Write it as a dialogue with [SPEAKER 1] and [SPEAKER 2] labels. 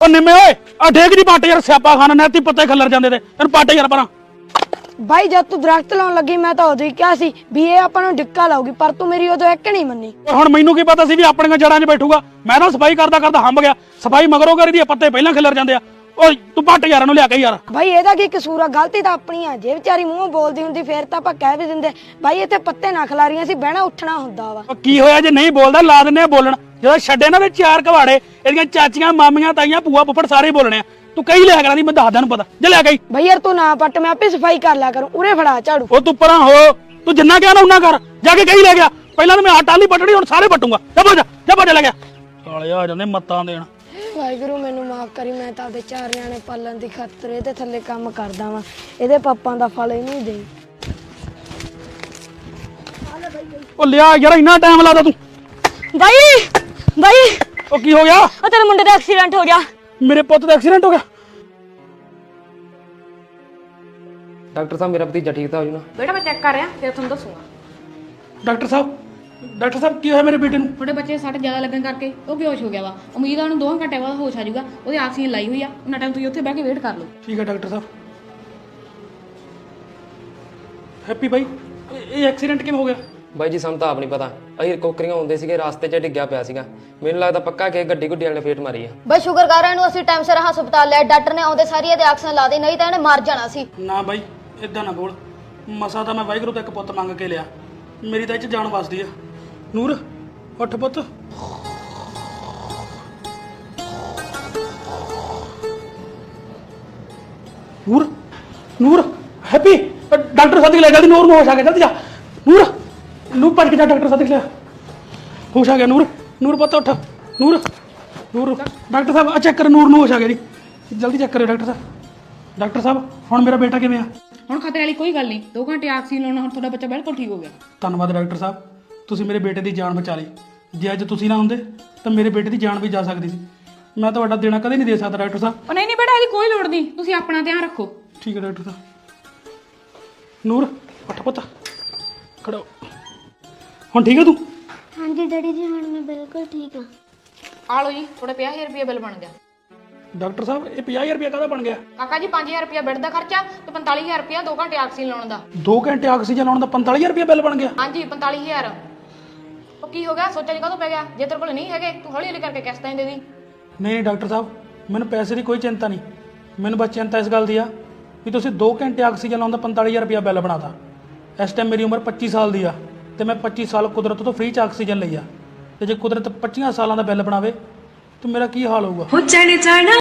[SPEAKER 1] ਉਹ ਨਿੰਮੇ ਓਏ ਆ ਢੇਗ ਦੀ ਪੱਟ ਯਾਰ ਸਿਆਪਾ ਖਾਣਾ ਨੈਤੀ ਪੱਤੇ ਖੱਲਰ ਜਾਂਦੇ ਤੇ ਤੈਨੂੰ ਪੱਟ ਯਾਰ ਪਰਾਂ।
[SPEAKER 2] ਬਾਈ ਜਦ ਤੂੰ ਦਰਖਤ ਲਾਉਣ ਲੱਗੀ ਮੈਂ ਤਾਂ ਉਦੋਂ ਹੀ ਕਿਹਾ ਸੀ ਵੀ ਇਹ ਆਪਾਂ ਨੂੰ ਡਿੱਕਾ ਲਾਊਗੀ, ਪਰ ਤੂੰ ਮੇਰੀ ਉਦੋਂ ਇੱਕ ਨਹੀਂ ਮੰਨੀ।
[SPEAKER 1] ਹੁਣ ਮੈਨੂੰ ਕੀ ਪਤਾ ਸੀ ਵੀ ਆਪਣੀਆਂ ਜੜਾਂ 'ਚ ਬੈਠੂਗਾ। ਮੈਂ ਤਾਂ ਸਫਾਈ ਕਰਦਾ ਕਰਦਾ ਹੰਬ ਗਿਆ। ਸਫਾਈ ਮਗਰੋਂ ਕਰੀ ਦੀ ਪੱਤੇ ਪਹਿਲਾਂ ਖਿਲਰ ਜਾਂਦੇ ਆ। ਓਏ ਤੂੰ ਪੱਟ ਯਾਰ ਨੂੰ ਲਿਆ ਕੇ ਯਾਰ।
[SPEAKER 2] ਬਾਈ ਇਹਦਾ ਕੀ ਕਸੂਰ ਆ, ਗਲਤੀ ਤਾਂ ਆਪਣੀ ਆ। ਜੇ ਵਿਚਾਰੀ ਮੂੰਹੋਂ ਬੋਲਦੀ ਹੁੰਦੀ ਫੇਰ ਤਾਂ ਆਪਾਂ ਕਹਿ ਵੀ ਦਿੰਦੇ ਬਾਈ ਇੱਥੇ ਪੱਤੇ ਨਾ ਖਿਲਾਰੀਆਂ ਸੀ, ਬਹਿਣਾ ਉੱਠਣਾ ਹੁੰਦਾ ਵਾ।
[SPEAKER 1] ਉਹ ਕੀ ਹੋਇਆ ਜੇ ਨਹੀਂ ਬੋਲਦਾ ਲਾ ਦਿੰਨੇ ਆ ਬੋਲਣ। ਜਦੋਂ ਛੱਡੇ ਨਾ ਤੇ ਚਾਰ ਘਵਾੜੇ ਇਹਦੀਆਂ ਚਾਚੀਆਂ ਮਾਮੀਆਂ ਤਾਈਆਂ ਭੂਆ ਫੁੱਫੜ ਸਾਰੇ ਬੋਲਣੇ ਆ। ਤੂੰ ਕਹੀ ਲਿਆ ਕਰਾਂ ਦੀ ਮੈਂ ਦੱਸਦਾ ਨੂੰ ਪਤਾ ਜੇ ਲਿਆ ਗਈ।
[SPEAKER 2] ਬਾਈ ਯਾਰ ਤੂੰ ਨਾ ਪੱਟ, ਮੈਂ ਆਪੇ ਸਫਾਈ ਕਰ ਲਿਆ ਕਰੂੰ। ਉਰੇ ਫੜਾ ਝਾੜੂ।
[SPEAKER 1] ਉਹ ਤੂੰ ਪਰਾਂ ਹੋ, ਤੂੰ ਜਿੰਨਾ ਕਿਹਾ ਨਾ ਉਹਨਾਂ ਕਰ। ਜਾ ਕੇ ਕਹੀ ਲੈ ਗਿਆ। ਪਹਿਲਾਂ ਤਾਂ ਮੈਂ ਆਟਾ ਨਹੀਂ ਪੱਟਣੀ, ਹੁਣ ਸਾਰੇ ਪੱਟੂਗਾ। ਜਾ ਭੱਜ ਲੈ ਗਿਆ। ਸਾਲੇ ਆ ਜਾਂਦੇ ਮੱਤਾਂ ਦੇਣ।
[SPEAKER 2] ਵਾਹਿਗੁਰੂ ਮੈਨੂੰ ਮਾਫ ਕਰੀ, ਮੈਂ ਤਾਂ ਆਪਦੇ 4 ਨਿਆਣੇ ਪਾਲਣ ਦੀ ਖਾਤਰ ਇਹਦੇ ਥੱਲੇ ਕੰਮ ਕਰਦਾ ਵਾਂ। ਇਹਦੇ ਪਾਪਾਂ ਦਾ ਫਲ ਇਹਨੂੰ ਦੇਈ।
[SPEAKER 1] ਉਹ ਲਿਆ ਯਾਰ ਇੰਨਾ ਟਾਈਮ ਲਾਦਾ ਤੂੰ।
[SPEAKER 2] ਬਾਈ
[SPEAKER 1] ਉਹ ਕੀ ਹੋ ਗਿਆ?
[SPEAKER 2] ਉਹ ਤੇਰੇ ਮੁੰਡੇ ਦਾ ਐਕਸੀਡੈਂਟ ਹੋ ਗਿਆ।
[SPEAKER 1] ਮੇਰੇ ਪੁੱਤ ਦਾ ਐਕਸੀਡੈਂਟ ਹੋ ਗਿਆ।
[SPEAKER 3] डॉक्टर साहब मेरा भतीजा ठीक था हो ना?
[SPEAKER 4] बेटा मैं चेक कर रहा फिर तुम दसूंगा।
[SPEAKER 1] ਡਾਕਟਰ ਸਾਹਿਬ ਕੀ ਹੋਇਆ ਮੇਰੇ ਬੇਟੇ ਨੂੰ?
[SPEAKER 4] थोड़े बच्चे सट ज्यादा लगन करके वो बेहोश हो गया वा। उम्मीद है उन्हें 2 घंटे बाद होश आ जाऊगा। ਉਹਦੀ ਆਕਸੀਜਨ ਲਾਈ ਹੋਈ ਆ। ਉਹਨਾਂ ਟਾਈਮ ਤੁਸੀਂ ਉੱਥੇ ਬਹਿ ਕੇ ਵੇਟ ਕਰ ਲਓ।
[SPEAKER 1] ਠੀਕ ਹੈ ਡਾਕਟਰ ਸਾਹਿਬ। ਹੈਪੀ ਭਾਈ ਇਹ ਐਕਸੀਡੈਂਟ ਕਿਵੇਂ ਹੋ ਗਿਆ?
[SPEAKER 3] ਬਾਈ ਜੀ ਸਾਨੂੰ ਤਾਂ ਆਪ ਨਹੀਂ ਪਤਾ। ਅਸੀਂ ਕੋਕਰੀਆਂ ਹੁੰਦੇ ਸੀਗੇ, ਰਾਸਤੇ 'ਚ ਡਿੱਗਿਆ ਪਿਆ ਸੀਗਾ। ਮੈਨੂੰ ਲੱਗਦਾ ਪੱਕਾ ਕਿ ਗੱਡੀ ਗੁੱਡੀ ਵਾਲੇ ਨੇ ਫੇਟ ਮਾਰੀ ਆ।
[SPEAKER 5] ਬਈ ਸ਼ੁਕਰ ਕਰ ਇਹਨੂੰ ਅਸੀਂ ਟਾਈਮ ਸਿਰ ਹਸਪਤਾਲ ਲਿਆ। ਡਾਕਟਰ ਨੇ ਆਉਂਦੇ ਸਾਰੀ ਇਹਦੇ ਆਕਸੀਜਨ ਲਾ ਦੇ, ਨਹੀਂ ਤਾਂ ਇਹਨੇ ਮਰ ਜਾਣਾ ਸੀ।
[SPEAKER 1] ਨਾ ਬਾਈ ਇਦਾਂ ਨਾ ਬੋਲ। ਮਸਾ ਤਾਂ ਮੈਂ ਵਾਹਿਗੁਰੂ ਤੋਂ ਇੱਕ ਪੁੱਤ ਮੰਗ ਕੇ ਲਿਆ। ਮੇਰੀ ਤਾਂ ਇਹ 'ਚ ਜਾਨ ਵਸਦੀ ਆ। ਨੂਰ ਉੱਠ ਪੁੱਤ। ਨੂਰ ਹੈਪੀ ਡਾਕਟਰ ਸਾਦੀ ਲੈ ਜਲਦੀ। ਨੂਰ ਨੂੰ ਹੋਸ਼ ਆ ਗਿਆ, ਜਲਦੀ ਜਾ। ਨੂਰ ਭੱਜ ਕੇ ਜਾ, ਡਾਕਟਰ ਸਾਦੀ ਲੈ। ਹੋਸ਼ ਆ ਗਿਆ ਨੂਰ ਪੁੱਤ ਉੱਠ। ਨੂਰ ਡਾਕਟਰ ਸਾਹਿਬ ਆ ਚੈੱਕ ਕਰ। ਨੂਰ ਨੂੰ ਹੋਸ਼ ਆ ਗਿਆ ਜੀ, ਜਲਦੀ ਚੈੱਕ ਕਰਿਓ ਡਾਕਟਰ ਸਾਹਿਬ। ਡਾਕਟਰ ਸਾਹਿਬ ਹੁਣ ਮੇਰਾ ਬੇਟਾ ਕਿਵੇਂ ਆ?
[SPEAKER 4] ਹੁਣ ਖਤਰੇ ਵਾਲੀ ਕੋਈ ਗੱਲ ਨਹੀਂ। 2 ਘੰਟੇ ਆਕਸੀਜਨ ਲਾਉਣਾ, ਹੁਣ ਤੁਹਾਡਾ ਬੱਚਾ ਬਿਲਕੁਲ ਠੀਕ ਹੋ ਗਿਆ।
[SPEAKER 1] ਧੰਨਵਾਦ ਡਾਕਟਰ ਸਾਹਿਬ, ਤੁਸੀਂ ਮੇਰੇ ਬੇਟੇ ਦੀ ਜਾਨ ਬਚਾ ਲਈ। ਜੇ ਅੱਜ ਤੁਸੀਂ ਨਾ ਹੁੰਦੇ ਤਾਂ ਮੇਰੇ ਬੇਟੇ ਦੀ ਜਾਨ ਵੀ ਜਾ ਸਕਦੀ ਸੀ। ਮੈਂ ਤੁਹਾਡਾ ਦੇਣਾ ਕਦੇ ਨਹੀਂ ਦੇ ਸਕਦਾ ਡਾਕਟਰ ਸਾਹਿਬ।
[SPEAKER 4] ਉਹ ਨਹੀਂ ਬੇਟਾ ਇਹਦੀ ਕੋਈ ਲੋੜ ਨਹੀਂ, ਤੁਸੀਂ ਆਪਣਾ ਧਿਆਨ ਰੱਖੋ।
[SPEAKER 1] ਠੀਕ ਹੈ ਡਾਕਟਰ ਸਾਹਿਬ। ਨੂਰ ਉੱਠ ਪੁੱਤ, ਖੜੋ। ਹੁਣ ਠੀਕ ਹੈ ਤੂੰ?
[SPEAKER 6] ਹਾਂਜੀ ਡੈਡੀ ਜੀ ਹੁਣ ਮੈਂ ਬਿਲਕੁਲ ਠੀਕ ਹਾਂ।
[SPEAKER 4] ਆ ਲਓ ਜੀ ਤੁਹਾਡਾ 50,000 ਰੁਪਏ ਬਿੱਲ ਬਣ ਗਿਆ।
[SPEAKER 1] ਡਾਕਟਰ ਸਾਹਿਬ ਇਹ 50,000 ਰੁਪਏ ਕਾਹਦਾ ਬਣ ਗਿਆ?
[SPEAKER 4] ਕਾਕਾ ਜੀ 5,000 ਰੁਪਏ ਬੈੱਡ ਦਾ ਖਰਚਾ ਤੇ 45,000 ਰੁਪਏ 2 ਘੰਟੇ ਆਕਸੀਜਨ ਲਾਉਣ ਦਾ।
[SPEAKER 1] 2 ਘੰਟੇ ਆਕਸੀਜਨ ਲਾਉਣ ਦਾ 45,000 ਰੁਪਏ ਬਿੱਲ ਬਣ ਗਿਆ?
[SPEAKER 4] ਹਾਂਜੀ 45,000। ਉਹ ਕੀ ਹੋ ਗਿਆ, ਸੋਚਿਆ ਜੀ ਕਦੋਂ ਪੈ ਗਿਆ? ਜੇ ਤੇਰੇ ਕੋਲ ਨਹੀਂ ਹੈਗੇ ਤੂੰ ਹੌਲੀ ਹੌਲੀ ਕਰਕੇ ਕਿਸ਼ਤਾਂ ਦੇ ਦੀ।
[SPEAKER 1] ਨਹੀਂ ਡਾਕਟਰ ਸਾਹਿਬ, ਮੈਨੂੰ ਪੈਸੇ ਦੀ ਕੋਈ ਚਿੰਤਾ ਨਹੀਂ। ਮੈਨੂੰ ਬਸ ਚਿੰਤਾ ਇਸ ਗੱਲ ਦੀ ਆ ਵੀ ਤੁਸੀਂ 2 ਘੰਟੇ ਆਕਸੀਜਨ ਲਾਉਣ ਦਾ 45,000 ਰੁਪਏ ਬਿੱਲ ਬਣਾਤਾ। ਇਸ ਟਾਈਮ ਮੇਰੀ ਉਮਰ 25 ਸਾਲ ਦੀ ਆ ਤੇ ਮੈਂ 25 ਸਾਲ ਕੁਦਰਤ ਤੋਂ ਫ੍ਰੀ 'ਚ ਆਕਸੀਜਨ ਲਈ ਆ। ਤੇ ਜੇ ਕੁਦਰਤ 25 ਸਾਲਾਂ ਦਾ ਬਿੱਲ ਬਣਾਵੇ ਤਾਂ ਮੇਰਾ ਕੀ ਹਾਲ ਹੋਊਗਾ?